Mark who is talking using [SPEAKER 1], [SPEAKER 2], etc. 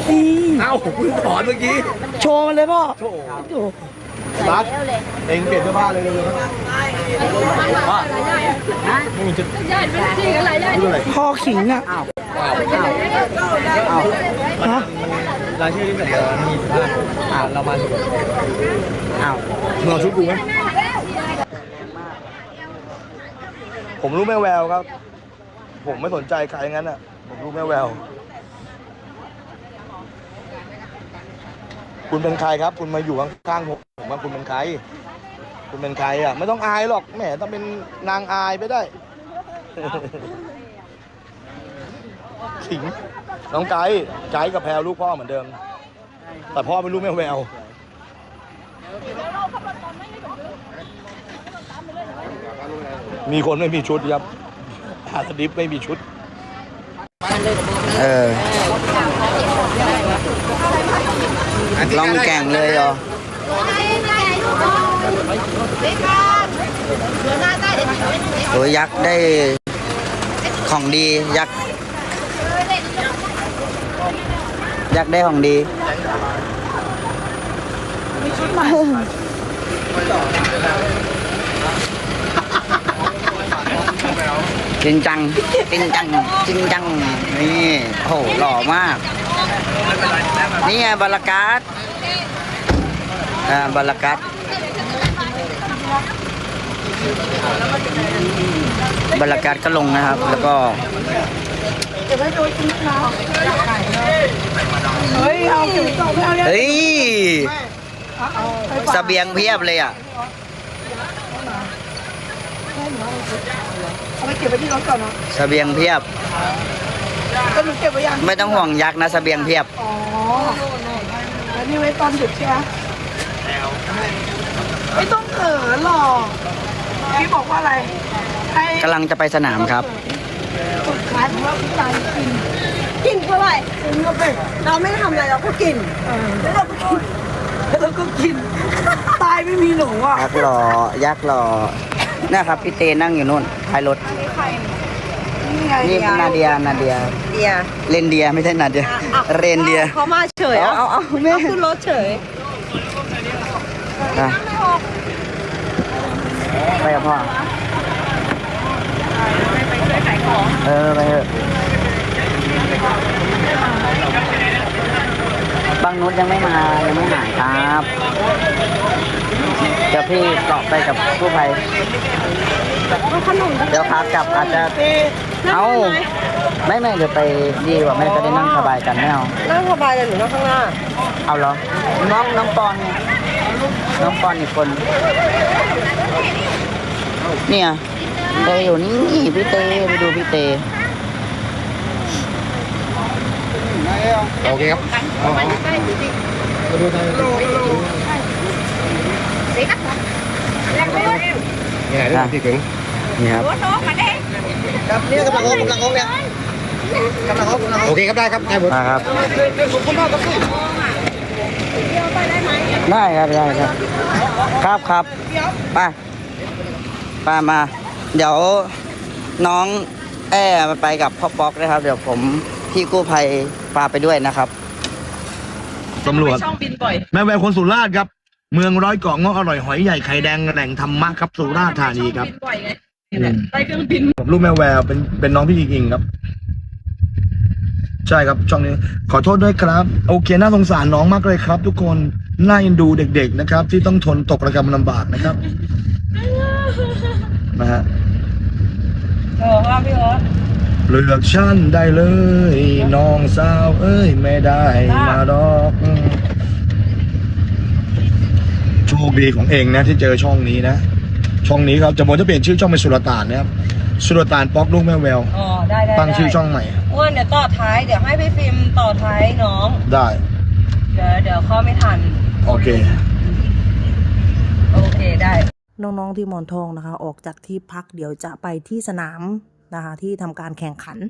[SPEAKER 1] นี่
[SPEAKER 2] เอ้าผมเพิ่งถอนเมื่อกี้
[SPEAKER 1] โชว์มันเลยพ่อ
[SPEAKER 2] โถ่
[SPEAKER 1] โอ้
[SPEAKER 2] รักเองเปลี่ยนเสื้อผ้าเลยเลยว่าไม่มีชุดอะไร
[SPEAKER 1] พ่อขิงอ่ะ
[SPEAKER 2] อ้าว
[SPEAKER 1] ฮะ
[SPEAKER 2] รายชื่อที่เสนอมี15เรามาอ้าวมึงเอาชุดกูไหมผมรู้แม่แววครับ ผมไม่สนใจใครงั้นอ่ะผมรู้แม่แววคุณเป็นใครครับคุณมาอยู่ข้างๆผมว่าคุณเป็นใครคุณเป็นใครอ่ะไม่ต้องอายหรอกแหมต้องเป็นนางอายไปได้ขิงน้องไก่กับแพรลูกพ่อเหมือนเดิมแต่พ่อไม่รู้แม่แววมีคนไม่มีชุดครับหาสดิฟไม่มีชุด
[SPEAKER 3] ลองแก่งเลยเหรอโอ้ยยักษ์ได้ของดียักษ์ได้ของดีจริงจังนี่โอ้โหหล่อมากนี่ไงบาลากัสบาลากัสก็ลงนะครับแล้วก็เฮ้ยเสบียงเพียบเลยอ่ะ
[SPEAKER 1] เอาไปเก็บไว้ที่รถก่อนนะ
[SPEAKER 3] เสบียงเพียบ
[SPEAKER 1] ก็หนูเก็บไว้ยัง
[SPEAKER 3] ไม่ต้องห่วงยักษ์นะเสบียงเพียบ
[SPEAKER 1] อ๋อแล้วนี่ไว้ตอนดึกใช่ไหมไม่ต้องเขินหรอกพี่บอกว่าอะไรให้
[SPEAKER 3] กำลังจะไปสนามครับ
[SPEAKER 1] สุดท้ายว่าพี่ตายกินเท่าไหร่กินเข้าไปเราไม่ทำอะไรเราก็กินแล้วเราก็กินตายไม่มีหนูอ่ะ
[SPEAKER 3] ยักษ์หล่อนะครับพี่เตนั่งอยู่นู่นท้ายรถนี่นาเดียเรนเดียไม่ใช่นาเดียเรนเดีย
[SPEAKER 1] เขามาเฉยเอาแม่ขึ้นรถเฉย
[SPEAKER 3] ไปกับพ่อไปเถอะบางนุชยังไม่หายครับเดี๋ยวพี่เกาะไปกับกู้ภัยเดี๋ยวขากลับอาจจะเอาไม่เดี๋ยวไปดีกว่าแม่จะได้นั่งสบายกันไม่เอา
[SPEAKER 1] นั่งสบายเลยหนูนั่งข้างหน้า
[SPEAKER 3] เอาเหรอน้องปอนไงน้องปอนอีกคนเนี่ยเตอยู่นี่พี่เตไปดูพี่เต
[SPEAKER 2] โอเคครับมาดูทางเนี่ยได้ที่ถึง
[SPEAKER 3] นี่ครับ
[SPEAKER 2] ครับนี่กำลังเนี่ยกำลังโอเคครับได้ครับได้หมด
[SPEAKER 3] มาครับได้ครับไปมาเดี๋ยวน้องไปกับพ่อป๊อกนะครับ เดี๋ยวผมพี่กู้ภัยพาไปด้วยนะครับ
[SPEAKER 2] ตำรวจแม่แววคนสุราษฎร์ครับเมืองร้อยเกาะเงาะอร่อยหอยใหญ่ไข่แดงแหล่งธรรมะครับสุราษฎร์ธานีครับ
[SPEAKER 1] ได้เครื่องบิน
[SPEAKER 2] ผมลูกแม่แววเป็นน้องพี่อิงครับใช่ครับช่องนี้ขอโทษด้วยครับโอเคน่าสงสารน้องมากเลยครับ ทุกคนน่าเอ็นดูเด็กๆนะครับ ที่ต้องทนตกระกำลำบากนะครับนะฮะ
[SPEAKER 1] พี่โอ๊ต
[SPEAKER 2] เลือกฉันได้เลยน้องสาวเอ้ยไม่ได้มาดอกโชคดีของเองนะที่เจอช่องนี้นะช่องนี้ครับจะเปลี่ยนชื่อช่องเป็นสุลต่านนะครับสุลต่านป๊อกลูกแม่แวว
[SPEAKER 1] อ๋อได้
[SPEAKER 2] ตั้งชื่อช่องใหม่
[SPEAKER 1] อ้วนเดี๋ยวต่อท้ายเดี๋ยวให้พี่ฟิล์มต่อท้ายน้อง
[SPEAKER 2] ได้
[SPEAKER 1] เดี๋ยวเข้าไม่ทัน
[SPEAKER 2] โอเค
[SPEAKER 1] ได้
[SPEAKER 4] น้องๆที่หมอนทองนะคะออกจากที่พักเดี๋ยวจะไปที่สนามนะคะที่ทำการแข่งขัน